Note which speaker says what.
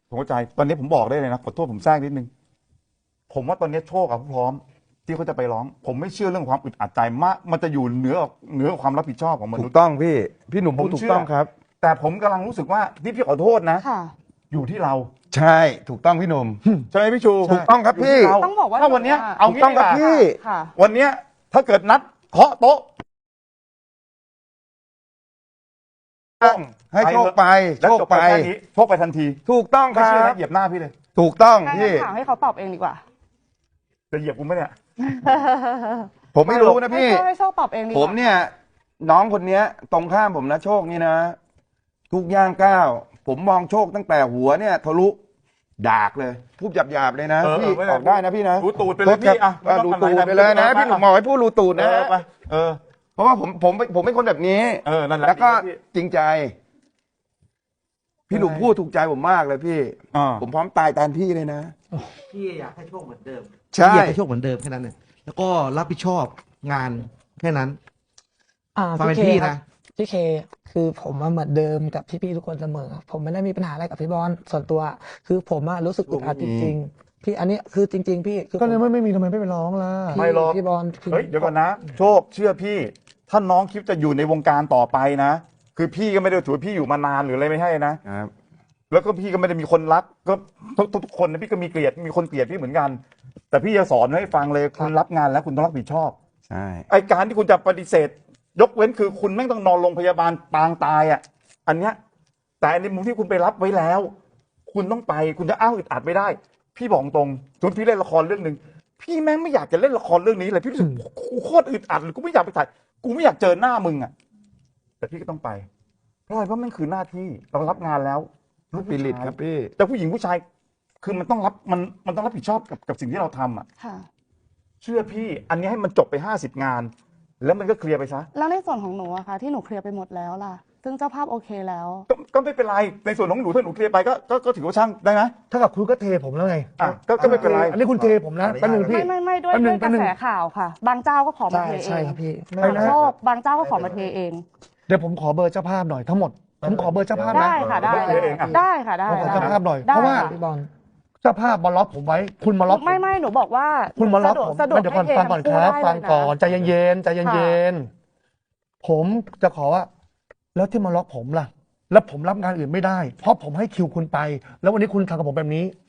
Speaker 1: ผมเข้าใจตอนนี้ผมบอกได้เลยนะขอโทษผมแทรกนิดนึงผมว่าตอนนี้โชคกับพร้อมที่เขาจะไปร้องผมไม่เชื่อเรื่องความอึดอัดใจมากมันจะอยู่เหนือความรับผิดชอบของม
Speaker 2: ถู
Speaker 1: นุษ
Speaker 2: ก
Speaker 1: ย์
Speaker 2: ต้องพี่หนุ่มพูดถูกต้องครับ
Speaker 1: แต่ผมกำลังรู้สึกว่าที่พี่ขอโทษนะ
Speaker 3: ค่ะ
Speaker 1: อยู่ที่เรา
Speaker 2: ใช่ถูกต้องพี่หนุ่ม
Speaker 1: ใช่ไหมพี่ชู
Speaker 2: ถูกต้องครับ
Speaker 1: ยู่ที่
Speaker 2: พี่
Speaker 1: เรา
Speaker 3: ต้องบอกว่า
Speaker 1: ถ้าวันเนี้ย
Speaker 3: หนูอะ
Speaker 1: เอา
Speaker 2: ถูก
Speaker 1: งี้
Speaker 2: ต้องครับ
Speaker 1: ดีกว่า
Speaker 2: พี่
Speaker 3: ค่ะ
Speaker 1: วันเนี้ยถ้าเกิดนัดเคาะโต๊ะ
Speaker 2: ให้โชคไป
Speaker 1: แล้ว
Speaker 2: โชค
Speaker 1: จบ
Speaker 2: ไป
Speaker 1: ไปแค่นี้โชคไปทันที
Speaker 2: ถูกต้องค
Speaker 1: ไม่
Speaker 2: รั
Speaker 1: เชื่อนะ
Speaker 2: บ
Speaker 1: เหยียบหน้าพี่เลย
Speaker 2: ถูกต้อง
Speaker 3: งั้น
Speaker 2: พี่
Speaker 3: ถามให้เขาตอบเองดีกว่า
Speaker 1: จะเหยียบกูไหมเนี่ย
Speaker 2: ผมไม่รู้นะพี่
Speaker 3: ให้โชคตอบเองดีกว่า
Speaker 2: ผมเนี่ย น้องคนเนี้ย ตรงข้ามผมนะโชคนี่นะ ทุกย่างก้าวผมมองโชคตั้งแต่หัวเนี่ยทะลุดากเลยพูดหยาบๆเลยนะ
Speaker 1: เออ
Speaker 2: พี่
Speaker 1: ไม่เป็นไร
Speaker 2: ออกได้นะพี่นะ
Speaker 1: รูตูดไปเลยพี่อ่ะ
Speaker 2: รูตูดไปเลยนะ พี่หนุ่มบอกให้พูดรูตูด
Speaker 1: เอ
Speaker 2: นะ
Speaker 1: อไปเออ
Speaker 2: เพราะว่าผมเป็นคนแบบนี้
Speaker 1: เออนั่นแหละ
Speaker 2: แล้วก็
Speaker 1: พี่
Speaker 2: จริงใจ พี่หนุ่มพูดถูกใจผมมากเลยพี่
Speaker 1: อ่า
Speaker 2: ผมพร้อมตายแทนพี่เลยนะ
Speaker 4: พี่อยากให้โชคเหมือนเดิม
Speaker 2: ใช่
Speaker 4: พี่อยากให้โชคเหมือนเดิมแค่นั้นเนี่ยแล้วก็รับผิดชอบงานแค่นั้น ฟังเป็นพี่
Speaker 5: ครั
Speaker 4: นะ
Speaker 5: พี่เคคือผมเหมือนเดิมกับพี่ๆทุกคนเสมอ ผมไม่ได้มีปัญหาอะไรกับพี่บอลส่วนตัว คือผมรู้สึกอึดอัดจริงๆพี่อันนี้คือจริง ๆ พี่คือ
Speaker 6: ก็เลยไม่มีทำไมไม่ไปร้องล่ะ
Speaker 5: พี่
Speaker 1: ไม่หรอก
Speaker 5: พี่บอลคือ
Speaker 1: เฮ้ยเดี๋ยวก่อนนะ โชคเชื่อพี่ ถ้าน้องคิดจะอยู่ในวงการต่อไปนะ คือพี่ก็ไม่ได้ถือว่าพี่อยู่มานานหรืออะไรไม่ใช่นะ
Speaker 2: ครับ
Speaker 1: แล้วก็พี่ก็ไม่ได้มีคนรักก็ทุกคนนะพี่ก็มีเกลียดมีคนเกลียดพี่เหมือนกัน แต่พี่จะสอนให้ฟังเลยคุณรับงานแล้วคุณต้องรับผิดชอบ
Speaker 2: ใช่
Speaker 1: ไอการที่คุณจะปฏิเสธ ยกเว้นคือคุณไม่งต้องนอนโรงพยาบาลปางตายอ่ะอันเนี้ยแต่ในมุมที่คุณไปรับไว้แล้ว คุณต้องไปคุณจะอ้างอึดอัดไม่ได้ พี่บอกตรงสมมติพี่เล่นละครเรื่องหนึ่งพี่แม่งไม่อยากจะเล่นละครเรื่องนี้เลยพี่รู้สึกกูโคตรอึดอัดเลยกูไม่อยากไปถ่ายกูไม่อยากเจอหน้ามึงอ่ะแต่พี่ก็ต้องไปเพราะอะไรเพราะมันคือหน้าที่เรารับงานแล้ว
Speaker 2: สปิริตครับพี่
Speaker 1: แต่ผู้หญิงผู้ชายคือมันต้องรับมันต้องรับผิดชอบกับสิ่งที่เราทำอ่ะ
Speaker 3: ค่ะ
Speaker 1: เชื่อพี่ อันนี้ให้มันจบไป50 งาน แล้วมันก็เคลียร์ไปซะ
Speaker 3: แล้วในส่วนของหนูอะค่ะ ที่หนูเคลียร์ไปหมดแล้วล่ะ ซึ่งเจ้าภาพโอเคแล้ว
Speaker 1: ก็ไม่เป็นไรในส่วนของหนูถ้าหนูเคลียร์ไปก็ถือว่าช่างได้ไหม
Speaker 6: ถ้ากับคุณก็เทผมแล้วไง
Speaker 1: อ่ะก็ไม่เป็นไร
Speaker 6: อันนี้คุณเทผมนะแป๊บนึงพี่
Speaker 3: ไม่ด้วย
Speaker 6: แป๊บนึ
Speaker 3: ด้
Speaker 6: ง
Speaker 3: วยกระแสข่าวค่ะ บางเจ้าก็ขอมา
Speaker 5: ใช่
Speaker 3: เทเอ
Speaker 5: ใช่
Speaker 3: ง
Speaker 5: ครับพี่
Speaker 6: ไม่นะ
Speaker 3: โชคบางเจ้าก็ขอมาเทเอง
Speaker 6: เดี๋ยวผมขอเบอร์เจ้าภาพหน่อยทั้งหมด ผมขอเบอร์เจ้าภาพนะ
Speaker 3: ได้ค่ะได้
Speaker 1: เทเองอ่ะ
Speaker 3: ได้ค่ะได้
Speaker 6: ผมขอ
Speaker 3: ได้
Speaker 6: เจ้าภาพหน่อย
Speaker 3: ได้
Speaker 6: เพราะว่า
Speaker 3: ค่ะ
Speaker 5: พี่บอล
Speaker 6: เจ้าภาพมาล็อกผมไว้ คุณมาล็อกผม
Speaker 3: ไม่หนูบอกว่า
Speaker 6: คุณมาล็อก
Speaker 3: สะดวก
Speaker 6: ผมเดี๋ยวก่อน
Speaker 3: ให้เท
Speaker 6: ฟังก่อน
Speaker 3: ทั้
Speaker 6: ครับ
Speaker 3: ได้
Speaker 6: ฟัง
Speaker 3: เลยะ
Speaker 6: ก่อนใจเย็นๆใจเย็นๆผมจะขอว่า แล้วที่มาล็อกผมล่ะ แล้วผมรับงานอื่นไม่ได้ เพราะผมให้คิวคุณไป แล้ววันนี้คุณทำกับผมแบบนี้